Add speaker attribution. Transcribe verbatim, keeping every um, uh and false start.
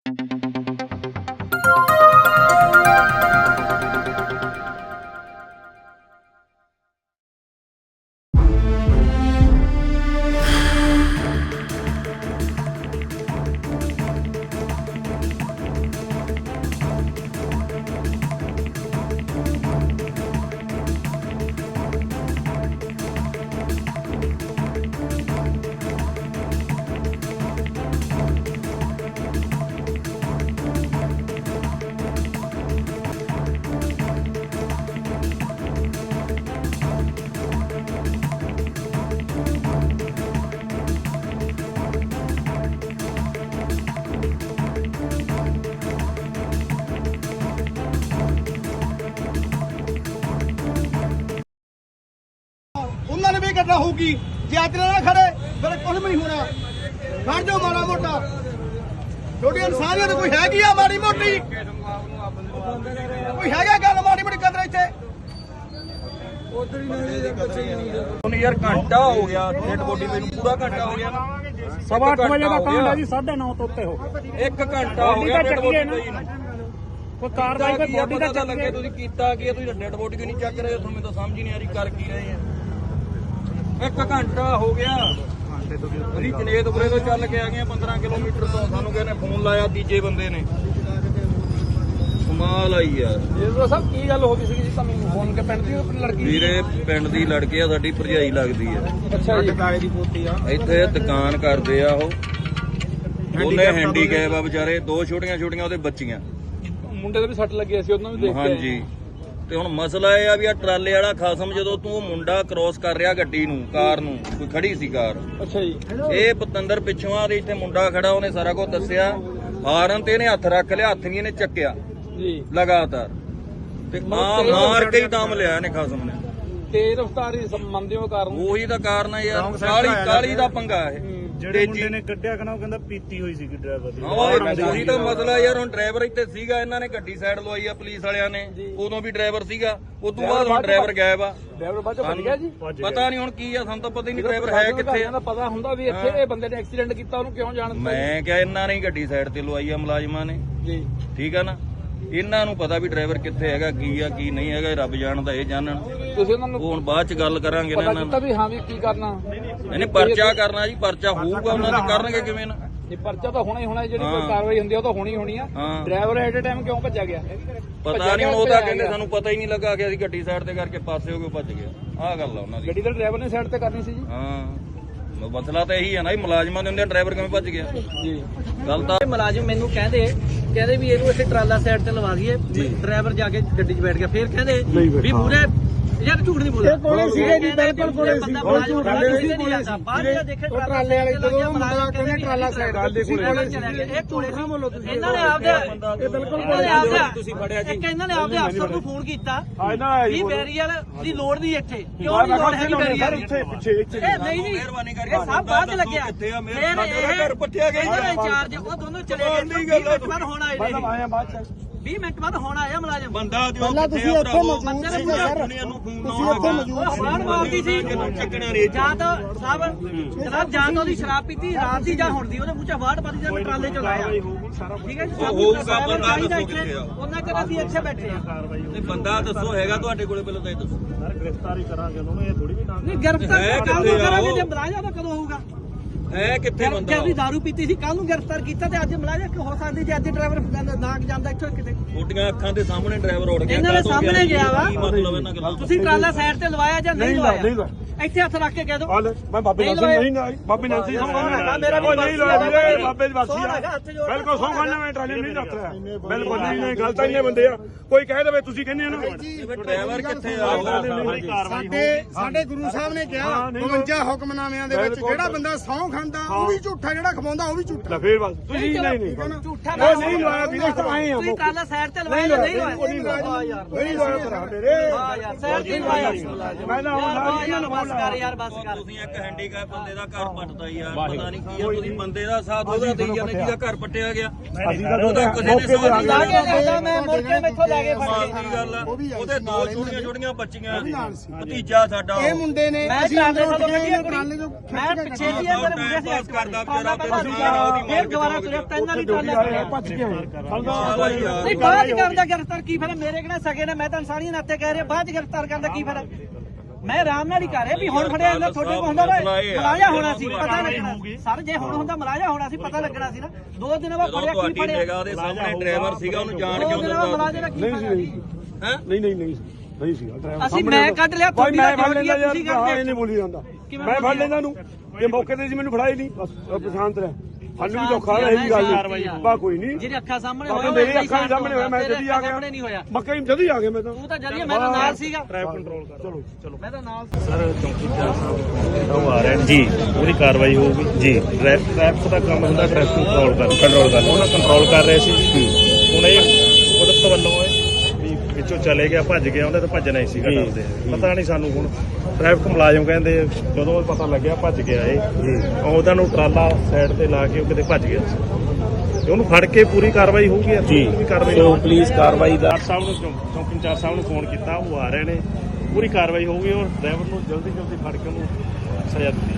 Speaker 1: उन्होंने भी करना होगी जे अज ना खड़े फिर कुछ भी नहीं होना। खड़ जाओ माड़ा मोटा, छोटी इंसानियत कोई हैगी आ माड़ी मोटी, कोई हैगा गल माड़ी मोटी कदर इत्थे
Speaker 2: यार घंटा हो गया डेड बॉडी पे पूरा घंटा हो गया ना
Speaker 3: सवा अठ बजे का काम है जी साढ़े नौ तो उत्ते हो
Speaker 2: एक घंटा हो गया डेड बॉडी पे
Speaker 3: कोई कार्रवाई कोई बॉडी ਦਾ
Speaker 2: ਪਤਾ ਲੱਗੇ ਤੁਸੀਂ ਕੀਤਾ ਕੀ ਤੁਸੀਂ ਡੈਡ ਬੋਡੀ ਕਿਉਂ ਨਹੀਂ ਚੱਕ ਰਹੇ ਤੁਹਾਨੂੰ ਤਾਂ ਸਮਝ ਹੀ ਨਹੀਂ ਆ ਰਹੀ ਕਰ ਕੀ ਰਹੇ ਆ। ਇੱਕ ਘੰਟਾ ਹੋ ਗਿਆ ਅਸੀਂ ਜਨੇਤਪੁਰੇ ਤੋਂ ਚੱਲ ਕੇ ਆ ਗਏ ਪੰਦਰਾਂ ਕਿਲੋਮੀਟਰ ਤੋਂ, ਸਾਨੂੰ ਕਹਿੰਦੇ ਫੋਨ ਲਾਇਆ ਤੀਜੇ ਬੰਦੇ ਨੇ। ਕਮਾਲ ਆਈ ਯਾਰ।
Speaker 3: ਜੀ ਸਾਹਿਬ ਕੀ ਗੱਲ ਹੋ ਗਈ ਸੀ ਜੀ ਤੁਹਾਨੂੰ ਫੋਨ ਕੇ ਪਿੰਡ ਦੀ ਆਪਣੀ ਲੜਕੀ
Speaker 2: ਵੀਰੇ ਪਿੰਡ ਦੀ ਲੜਕੀ ਆ, ਸਾਡੀ ਭਰਜਾਈ ਲੱਗਦੀ ਆ।
Speaker 3: ਅੱਛਾ ਜੀ ਕਾਲੇ ਦੀ ਪੋਤੀ ਆ।
Speaker 2: ਇੱਥੇ ਦੁਕਾਨ ਕਰਦੇ ਆ ਉਹ, ਉਹਨੇ ਹੈਂਡੀਕੈਪ ਆ ਵਿਚਾਰੇ, ਦੋ ਛੋਟੀਆਂ ਛੋਟੀਆਂ ਉਹਦੇ ਬੱਚੀਆਂ।
Speaker 3: ਮੁੰਡੇ ਦੇ ਵੀ ਸੱਟ ਲੱਗੀ ਸੀ ਉਹਨਾਂ ਨੂੰ ਦੇਖ ਕੇ।
Speaker 2: ਹਾਂਜੀ ਤੇ ਹੁਣ ਮਸਲਾ ਇਹ ਆ ਵੀ ਆ ਟਰਾਲੇ ਵਾਲਾ ਖਾਸਮ ਜਦੋਂ ਤੂੰ ਮੁੰਡਾ ਕ੍ਰੋਸ ਕਰ ਰਿਹਾ ਗੱਡੀ ਨੂੰ, ਕਾਰ ਨੂੰ, ਕੋਈ ਖੜੀ ਸੀ ਕਾਰ।
Speaker 3: ਅੱਛਾ ਜੀ
Speaker 2: ਇਹ ਪਤੰਦਰ ਪਿੱਛੋਂ ਆ ਦੇ ਇੱਥੇ ਮੁੰਡਾ ਖੜਾ, ਉਹਨੇ ਸਾਰਾ ਕੁਝ ਦੱਸਿਆ। ਹਾਰਨ ਤੇ ਇਹਨੇ ਹੱਥ ਰੱਖ ਲਿਆ, ਹੱਥ ਵੀ ਇਹਨੇ ਚੱਕਿਆ
Speaker 3: ਜੀ
Speaker 2: ਲਗਾਤਾਰ ਤੇ ਆ ਮਾਰ ਕੇ ਹੀ ਦਮ ਲਿਆ ਇਹਨੇ ਖਾਸਮ ਨੇ।
Speaker 3: ਤੇਜ਼ ਰਫ਼ਤਾਰੀ ਸੰਬੰਧੀ ਉਹ ਕਾਰਨ
Speaker 2: ਉਹੀ ਤਾਂ ਕਾਰਨ ਆ ਯਾਰ, ਕਾਲੀ ਕਾਲੀ ਦਾ ਪੰਗਾ ਇਹ।
Speaker 4: ਜਿਹੜੇ ਮੁੰਡੇ ਨੇ ਕੱਢਿਆ ਕਹਣਾ ਉਹ ਕਹਿੰਦਾ ਪੀਤੀ ਹੋਈ ਸੀ ਡਰਾਈਵਰ ਦੀ।
Speaker 2: ਉਹੀ ਤਾਂ ਮਸਲਾ ਯਾਰ, ਹੁਣ ਡਰਾਈਵਰ ਇੱਥੇ ਸੀਗਾ, ਇਹਨਾਂ ਨੇ ਗੱਡੀ ਸਾਈਡ ਲਵਾਈ ਆ ਪੁਲਿਸ ਵਾਲਿਆਂ ਨੇ, ਉਦੋਂ ਵੀ ਡਰਾਈਵਰ ਸੀਗਾ, ਉਸ ਤੋਂ ਬਾਅਦ ਹੁਣ ਡਰਾਈਵਰ ਗਾਇਬ ਆ।
Speaker 3: ਡਰਾਈਵਰ ਬਾਅਦ ਚ ਭੱਜ ਗਿਆ ਜੀ।
Speaker 2: ਪਤਾ ਨਹੀਂ ਹੁਣ ਕੀ ਆ, ਸਾਨੂੰ ਤਾਂ ਪਤਾ ਹੀ ਨਹੀਂ ਡਰਾਈਵਰ ਹੈ ਕਿੱਥੇ ਆ।
Speaker 3: ਪਤਾ ਹੁੰਦਾ ਵੀ ਇੱਥੇ ਇਹ ਬੰਦੇ ਨੇ ਐਕਸੀਡੈਂਟ ਕੀਤਾ, ਉਹਨੂੰ ਕਿਉਂ ਜਾਣ ਦਿੱਤਾ?
Speaker 2: ਮੈਂ ਕਿਹਾ ਇਹਨਾਂ ਨੇ ਗੱਡੀ ਸਾਈਡ ਤੇ ਲਵਾਈ ਆ ਮੁਲਾਜ਼ਮਾਂ ਨੇ
Speaker 3: ਜੀ
Speaker 2: ਠੀਕ ਆ ਨਾ, ਇਹਨਾਂ ਨੂੰ ਪਤਾ ਵੀ ਡਰਾਈਵਰ ਕਿੱਥੇ ਹੈਗਾ, ਕੀ ਆ ਕੀ ਨਹੀਂ ਹੈਗਾ, ਰੱਬ ਜਾਣਦਾ, ਇਹ ਜਾਣਨ।
Speaker 3: ਤੁਸੀਂ ਉਹਨਾਂ ਨੂੰ
Speaker 2: ਹੁਣ ਬਾਅਦ ਚ ਗੱਲ ਕਰਾਂਗੇ ਨਾ
Speaker 3: ਪਤਾ
Speaker 2: ਇਹਨਾਂ
Speaker 3: ਕੀਤਾ ਵੀ ਹਾਂ ਵੀ ਕੀ ਕਰਨਾ?
Speaker 2: ਇਹਨੇ ਪਰਚਾ ਕਰਨਾ ਜੀ, ਪਰਚਾ ਹੋਊਗਾ, ਉਹਨਾਂ ਦੇ ਕਰਨਗੇ ਕਿਵੇਂ ਨਾ।
Speaker 3: ਇਹ ਪਰਚਾ ਤਾਂ ਹੋਣਾ ਹੀ ਹੋਣਾ, ਜਿਹੜੀ ਕੋਈ ਕਾਰਵਾਈ ਹੁੰਦੀ ਆ ਉਹ ਤਾਂ ਹੋਣੀ ਹੋਣੀ ਆ।
Speaker 2: ਹਾਂ
Speaker 3: ਡਰਾਈਵਰ ਐਟ ਏ ਟਾਈਮ ਕਿਉਂ ਭੱਜਿਆ ਗਿਆ?
Speaker 2: ਪਤਾ ਨਹੀਂ, ਹੁਣ ਉਹ ਤਾਂ ਕਹਿੰਦੇ ਸਾਨੂੰ ਪਤਾ ਹੀ ਨਹੀਂ ਲੱਗਾ ਕਿ ਅਸੀਂ ਗੱਡੀ ਸਾਈਡ ਤੇ ਕਰਕੇ ਪਾਸੇ ਹੋ ਕੇ ਭੱਜ ਗਏ। ਆਹ ਗੱਲ ਆ ਉਹਨਾਂ ਦੀ।
Speaker 3: ਗੱਡੀ ਦਾ ਡਰਾਈਵਰ ਨੇ ਸਾਈਡ ਤੇ ਕਰਨੀ ਸੀ ਜੀ।
Speaker 2: ਹਾਂ ਮਸਲਾ ਤਾਂ ਇਹੀ ਹੈ ਨਾ, ਮੁਲਾਜ਼ਮਾਂ ਦੇ ਹੁੰਦੇ ਡਰਾਈਵਰ ਕਿਵੇਂ ਭੱਜ ਗਿਆ।
Speaker 3: ਜੀ
Speaker 2: ਗੱਲ ਤਾਂ
Speaker 5: ਮੁਲਾਜ਼ਮ ਮੈਨੂੰ ਕਹਿੰਦੇ ਕਹਿੰਦੇ ਵੀ ਇਹਨੂੰ ਇੱਥੇ ਟਰਾਲਾ ਸਾਈਡ ਤੇ ਲਵਾ ਦਈਏ। ਡਰਾਈਵਰ ਜਾ ਕੇ ਗੱਡੀ 'ਚ ਬੈਠ ਗਿਆ, ਫਿਰ ਕਹਿੰਦੇ ਵੀ ਮੂਰੇ ਯਾਰ ਝੂਠ ਨਹੀਂ ਬੋਲਿਆ।
Speaker 3: ਕੋਲੇ ਸੀਗੇ ਜੀ, ਬਿਲਕੁਲ ਕੋਲੇ ਸੀ।
Speaker 5: ਬਾਹਰ ਜਾ ਦੇਖੇ ਟਰਾਲੇ ਵਾਲੇ ਜਦੋਂ ਮੁੰਡਾ ਕਹਿੰਦੇ ਟਰਾਲਾ ਸਾਈਡ ਤੇ ਸੀ ਕੋਲੇ ਸੀ। ਇਹ ਕੋਲੇ ਸੀ ਬੋਲੋ ਤੁਸੀਂ। ਇਹਨਾਂ ਨੇ ਆਪਦੇ ਇਹ ਬਿਲਕੁਲ ਕੋਲੇ ਆਪਦੇ ਤੁਸੀਂ ਫੜਿਆ ਜੀ। ਇੱਕ ਇਹਨਾਂ ਨੇ ਆਪਦੇ ਅਫਸਰ ਨੂੰ ਫੋਨ ਕੀਤਾ ਵੀ ਬੈਰੀਅਰ ਦੀ ਲੋੜ ਨਹੀਂ ਇੱਥੇ, ਕਿਉਂ ਨਹੀਂ ਲੋੜ ਹੈਗੀ ਬੈਰੀਅਰ ਇੱਥੇ ਪਿੱਛੇ ਇੱਥੇ ਇਹ ਨਹੀਂ ਨਹੀਂ
Speaker 2: ਮਿਹਰਬਾਨੀ ਕਰਕੇ
Speaker 5: ਇਹ ਸਭ ਬਾਅਦ ਚ ਲੱਗਿਆ।
Speaker 2: ਕਿੱਥੇ ਆ
Speaker 5: ਫਿਰ
Speaker 2: ਮੇਰੇ ਘਰ ਪੱਟਿਆ ਗਿਆ
Speaker 5: ਇਹਨਾਂ ਦੇ ਇੰਚਾਰਜ ਉਹ ਦੋਨੋਂ ਚਲੇ ਗਏ। ਵੀਹ ਮਿੰਟ ਬਾਅਦ ਹੁਣ ਆਏ ਨੇ ਵੀਹ ਮਿੰਟ ਬਾਅਦ ਹੁਣ ਆਇਆ ਮੁਲਾਜ਼ਮ।
Speaker 2: ਬੰਦਾ ਦਿਓ ਕਿੱਥੇ ਆ ਭਰਾਵੋ, ਦੁਨੀਆ ਨੂੰ ਫੋਨ
Speaker 5: ਉਹ ਹਵਾਨ ਮਾਰਦੀ ਸੀ ਜਾਂ ਤਾਂ ਸਾਹਿਬ ਜਨਾਬ, ਜਾਂ ਤਾਂ ਉਹਦੀ ਸ਼ਰਾਬ ਪੀਤੀ ਰਾਤ ਦੀ ਜਾਂ ਹੁਣ ਦੀ, ਉਹਦੇ ਮੂੰਹ ਚ ਵਾੜ ਪਾਦੀ ਜਾਂ ਟਰਾਲੇ ਚ ਲਾਇਆ। ਠੀਕ ਹੈ ਜੀ,
Speaker 2: ਹੋਊਗਾ ਬੰਦਾ ਦੱਸੋ ਕਿੱਥੇ ਆ।
Speaker 5: ਉਹਨਾਂ ਚਿਰ ਅਸੀਂ ਇੱਥੇ ਬੈਠੇ ਆ।
Speaker 2: ਨਹੀਂ ਬੰਦਾ ਦੱਸੋ ਹੈਗਾ ਤੁਹਾਡੇ ਕੋਲੇ, ਪਹਿਲਾਂ ਤਾਂ ਇਹ ਦੱਸੋ।
Speaker 4: ਸਰ ਗ੍ਰਿਫਤਾਰੀ ਕਰਾਂਗੇ ਉਹਨਾਂ ਨੂੰ, ਇਹ ਥੋੜੀ ਵੀ ਨਾ
Speaker 5: ਨਹੀਂ ਗ੍ਰਿਫਤਾਰ
Speaker 2: ਹੈ
Speaker 5: ਕੱਲ
Speaker 2: ਕਿੱਥੇ
Speaker 5: ਨੂੰ
Speaker 2: ਆ
Speaker 5: ਕਰਾਂਗੇ,
Speaker 2: ਉਹ?
Speaker 5: ਜੇ ਮੁਲਾਜ਼ਮ ਤਾਂ ਕਦੋਂ ਹੋਊਗਾ?
Speaker 2: ਹੈ ਕਿੱਥੇ ਬੰਦਾ?
Speaker 5: ਜਦ ਦਾਰੂ ਪੀਤੀ ਸੀ ਕੱਲ ਨੂੰ ਗ੍ਰਿਫਤਾਰ ਕੀਤਾ ਤੇ ਅੱਜ ਮੁਲਾਜ਼ਮ ਕਿ ਹੋ ਸਕਦੀ ਜੇ ਅੱਜ ਡਰਾਈਵਰ ਨਾ ਜਾਂਦਾ ਇੱਥੋਂ ਕਿਤੇ।
Speaker 2: ਛੋਟੀਆਂ ਅੱਖਾਂ ਦੇ ਸਾਹਮਣੇ ਡਰਾਈਵਰ ਉੜ ਗਿਆ।
Speaker 5: ਇਹਨਾਂ ਦੇ ਸਾਹਮਣੇ ਗਿਆ ਵਾ।
Speaker 2: ਕੀ ਮਤਲਬ ਇਹਨਾਂ ਗੱਲਾਂ?
Speaker 5: ਤੁਸੀਂ ਟਰਾਲਾ ਸਾਈਡ ਤੇ ਲਵਾਇਆ ਜਾਂ ਨਹੀਂ ਲਵਾਇਆ? ਇੱਥੇ ਹੱਥ ਰੱਖ ਕੇ ਕਹਿ ਦੋ
Speaker 4: ਮੈਂ ਬਾਬੇ ਨਾਲ ਨਹੀਂ ਨਾ ਬਾਬੇ ਨਾਲ ਸੀ
Speaker 5: ਮੇਰਾ ਵੀ
Speaker 4: ਨਹੀਂ ਲੋਇਆ ਵੀਰੇ, ਬਾਬੇ ਦੀ ਵਾਸੀ ਆ। ਬਿਲਕੁਲ ਸੌ ਖਾਨਾ ਮੈਂ ਟਰਾਲੀ ਨਹੀਂ ਰੱਖ ਰਿਹਾ, ਬਿਲਕੁਲ ਨਹੀਂ ਨਹੀਂ ਗਲਤ ਇੰਨੇ ਬੰਦੇ ਆ। ਕੋਈ ਕਹਿ ਦੇਵੇ ਤੁਸੀਂ ਕਹਿੰਦੇ ਆ ਨਾ
Speaker 2: ਡਰਾਈਵਰ ਕਿੱਥੇ ਆ?
Speaker 1: ਸਾਡੇ ਸਾਡੇ ਗੁਰੂ ਸਾਹਿਬ ਨੇ ਕਿਹਾ ਬਵੰਜਾ ਹੁਕਮਨਾਮਿਆਂ ਦੇ ਵਿੱਚ ਜਿਹੜਾ ਬੰਦਾ ਸਹੁੰ ਖਾਂਦਾ ਉਹ ਵੀ ਝੂਠਾ, ਜਿਹੜਾ ਖਵਾਉਂਦਾ ਉਹ ਵੀ ਝੂਠਾ।
Speaker 4: ਫੇਰ ਬਸ ਤੁਸੀਂ ਨਹੀਂ ਨਹੀਂ
Speaker 5: ਝੂਠਾ
Speaker 4: ਉਹ ਨਹੀਂ ਲਵਾਇਆ ਵੀਰੇ, ਇੱਥੇ ਆਏ ਆ
Speaker 5: ਤੁਸੀਂ ਟਰਾਲਾ ਸਾਈਡ ਤੇ ਲਵਾਇਆ ਜਾਂ ਨਹੀਂ ਲਵਾਇਆ?
Speaker 4: ਨਹੀਂ ਲਵਾਇਆ ਭਰਾ ਮੇਰੇ।
Speaker 5: ਹਾਂ ਯਾਰ ਸਾਈਡ ਤੇ ਲਵਾਇਆ।
Speaker 4: ਮੈਂ ਨਾ ਹੁਣ
Speaker 5: ਯਾਰ ਬਸ ਕਰ ਯਾਰ ਬਸ ਕਰ।
Speaker 2: ਤੁਸੀਂ ਇੱਕ ਹੈਂਡੀਕੈਪ ਬੰਦੇ ਦਾ ਘਰ ਪੱਟਦਾ ਯਾਰ, ਪਤਾ ਨਹੀਂ ਕੀ ਆ। ਤੁਸੀਂ ਬੰਦੇ ਦਾ ਸਾਥ ਉਹਦਾ ਦੇਈ ਜਾਂਦੇ ਜਿਹਦਾ ਘਰ ਪੱਟਿਆ ਗਿਆ। ਉਹਦਾ ਕਿਸੇ ਨੇ ਸਾਥ ਨਹੀਂ
Speaker 5: ਲਾ ਕੇ ਲਿਆਂਦਾ ਮੈਂ ਮੁੜ ਕੇ ਮੈਥੋਂ ਲੈ ਕੇ ਫੜ
Speaker 2: ਮਾਂ
Speaker 5: ਕੇ।
Speaker 2: ਦੀ ਗੱਲ ਆ। ਉਹਦੇ ਦੋ ਛੋਟੀਆਂ ਛੋਟੀਆਂ ਬੱਚੀਆਂ, ਭਤੀਜਾ ਸਾਡਾ
Speaker 1: ਇਹ ਮੁੰਡੇ ਨੇ
Speaker 5: ਮੈਂ
Speaker 1: ਅਸੀਂ
Speaker 5: ਟਰਾਲੇ
Speaker 1: ਅੰਦਰੋਂ
Speaker 5: ਤੋਂ
Speaker 1: ਉੱਠ ਕੇ
Speaker 5: ਕੱਢਿਆ
Speaker 1: ਟਰਾਲੇ
Speaker 5: ਕੁੜੀ।
Speaker 1: ਤੋਂ
Speaker 5: ਮੈਂ ਪਿੱਛੇ ਦੀ ਅੰਦਰ ਗਿਆ ਸੀ
Speaker 2: ਪਾਸ ਕਰਦਾ
Speaker 5: ਟਰਾਲਾ
Speaker 2: ਵਿਚਾਰਾ
Speaker 5: ਪਹਿਲਾਂ
Speaker 2: ਤੇਰਾ ਉਹਦੀ
Speaker 5: ਫੇਰ ਦੁਬਾਰਾ ਤੁਰਿਆ ਤਿੰਨ ਵਾਲੀ ਟਰਾਲਾ ਤੁਰਿਆ।
Speaker 4: ਭੱਜ ਕੇ ਆਏ
Speaker 5: ਨਹੀਂ ਬਾਅਦ ਚ ਕਰਦਾ ਗ੍ਰਿਫਤਾਰ ਕੀ ਫਿਰ ਮੇਰੇ ਕਿਹੜਾ ਸਗੇ ਨੇ ਮੈਂ ਤਾਂ ਇਨਸਾਨੀ ਨਾਤੇ ਕਹਿ ਰਿਹਾ ਬਾਅਦ ਚ ਗ੍ਰਿਫਤਾਰ ਕਰਦਾ ਕੀ ਫਿਰ ਮੈਂ ਆਰਾਮ ਨਾਲ ਹੀ ਕਰ ਰਿਹਾ ਵੀ ਹੁਣ ਫੜਿਆ ਜਾਂਦਾ ਤੁਹਾਡੇ ਕੋਲ ਹੁੰਦਾ ਮਲਾਜਾ ਹੋਣਾ ਸੀ ਪਤਾ ਲੱਗਣਾ ਸਰ ਜੇ ਹੁਣ ਹੁੰਦਾ ਮਲਾਜਾ ਹੋਣਾ ਸੀ ਪਤਾ ਲੱਗਣਾ ਸੀ ਨਾ ਦੋ ਦਿਨ ਬਾਅਦ ਫੜਿਆ ਕੀ
Speaker 2: ਤੁਹਾਡੀ
Speaker 5: ਫੜਿਆ
Speaker 2: ਨਿਗਾਹ ਦੇ ਸਾਹਮਣੇ ਡਰਾਈਵਰ ਸੀਗਾ ਉਹਨੂੰ ਜਾਣ
Speaker 5: ਦੋ
Speaker 2: ਕਿਉਂ
Speaker 5: ਦਿਨ ਬਾਅਦ
Speaker 2: ਦਿੱਤਾ
Speaker 5: ਮਲਾਜੇ ਦਾ ਕੀ
Speaker 4: ਨਹੀਂ
Speaker 5: ਫਾਇਦਾ
Speaker 4: ਸੀ
Speaker 5: ਜੀ
Speaker 2: ਹੈ
Speaker 4: ਨਹੀਂ ਨਹੀਂ ਨਹੀਂ ਨਹੀਂ ਸੀ ਡਰਾਈਵਰ
Speaker 5: ਅਸੀਂ ਮੈਂ ਕੱਢ ਲਿਆ
Speaker 4: ਭਾਈ
Speaker 5: ਤੁਹਾਡੀ
Speaker 4: ਮੈਂ
Speaker 5: ਦਾ
Speaker 4: ਫੜ ਲੈਂਦਾ ਯਾਰ
Speaker 5: ਤੁਸੀਂ
Speaker 4: ਹਾਂ ਇਹ
Speaker 5: ਕਰਦੇ
Speaker 4: ਨਹੀਂ ਬੋਲੀ ਜਾਂਦਾ
Speaker 5: ਕਿਵੇਂ
Speaker 4: ਮੈਂ ਫੜ ਲੈਂਦਾ ਨੂੰ ਇਹ ਮੌਕੇ ਤੇ ਸੀ ਮੈਨੂੰ ਫੜਾਈ ਨਹੀਂ ਬਸ ਪਛਾਣ ਤੇ ਸਾਨੂੰ ਵੀ ਧੋਖਾ ਹੈ ਇਹ ਗੱਲ ਬਾ ਕੋਈ ਨਹੀਂ
Speaker 5: ਜਿਹੜੀ ਅੱਖਾਂ ਸਾਹਮਣੇ
Speaker 4: ਬਾਕੀ
Speaker 5: ਹੋਇਆ
Speaker 4: ਮੇਰੀ ਅੱਖਾਂ ਦੇ ਸਾਹਮਣੇ ਹੋਇਆ ਮੈਂ ਜਦੀ ਆ ਗਿਆ
Speaker 5: ਸਾਹਮਣੇ ਨਹੀਂ ਹੋਇਆ
Speaker 4: ਮੱਕਾ ਹੀ ਜਦੀ ਆ ਗਿਆ ਮੈਂ ਤਾਂ
Speaker 5: ਤੂੰ ਤਾਂ ਜਦੀ ਮੈਂ ਤਾਂ ਨਾਲ ਸੀਗਾ
Speaker 4: ਟ੍ਰੈਫਿਕ ਕੰਟਰੋਲ ਕਰ ਚਲੋ ਚਲੋ
Speaker 5: ਮੈਂ ਤਾਂ ਨਾਲ
Speaker 6: ਸਰ ਚੌਕੀਦਾਰ ਸਾਹਿਬ ਉਹ ਆ ਰਹੇ ਨੇ ਜੀ ਉਹਦੀ ਕਾਰਵਾਈ ਹੋਊਗੀ ਜੀ ਟ੍ਰੈਫਿਕ ਦਾ ਕੰਮ ਹੁੰਦਾ ਟ੍ਰੈਫਿਕ ਕੰਟਰੋਲ ਕਰ ਕੰਟਰੋਲ ਕਰ ਉਹਨਾਂ ਕੰਟਰੋਲ ਕਰ ਰਹੇ ਸੀ ਹੁਣ ਇਹ ਕੁਦਰਤ ਵੱਲੋਂ ਹੈ ਵੀ ਵਿੱਚੋਂ ਚਲੇ ਗਿਆ ਭੱਜ ਗਿਆ ਉਹਨੇ ਤਾਂ ਭੱਜਣਾ ਹੀ ਸੀਗਾ ਡਰਦੇ ਪਤਾ ਨਹੀਂ ਸਾਨੂੰ ਹੁਣ ਟ੍ਰੈਫਿਕ ਮੁਲਾਜ਼ਮ ਕਹਿੰਦੇ ਜਦੋਂ ਪਤਾ ਲੱਗਿਆ ਭੱਜ ਗਿਆ ਇਹ ਉਹਦਾ ਨੂੰ ਟਰਾਲਾ ਸਾਈਡ ਤੇ ਲਾ ਕੇ ਉਹ ਕਿਤੇ ਭੱਜ ਗਿਆ ਸੀ ਉਹਨੂੰ ਫੜ ਕੇ ਪੂਰੀ ਕਾਰਵਾਈ ਹੋਊਗੀ ਜੀ ਵੀ ਕਾਰਵਾਈ
Speaker 3: ਪੁਲਿਸ ਕਾਰਵਾਈ ਦਾ
Speaker 6: ਸਾਹਿਬ ਨੂੰ ਚੌਂਕੀ ਇੰਚਾਰਜ ਸਾਹਿਬ ਨੂੰ ਫੋਨ ਕੀਤਾ ਉਹ ਆ ਰਹੇ ਨੇ ਪੂਰੀ ਕਾਰਵਾਈ ਹੋਊਗੀ ਔਰ ਡਰਾਈਵਰ ਨੂੰ ਜਲਦੀ ਜਲਦੀ ਫੜ ਕੇ ਉਹਨੂੰ ਸਜ਼ਾ ਦਿੱਤੀ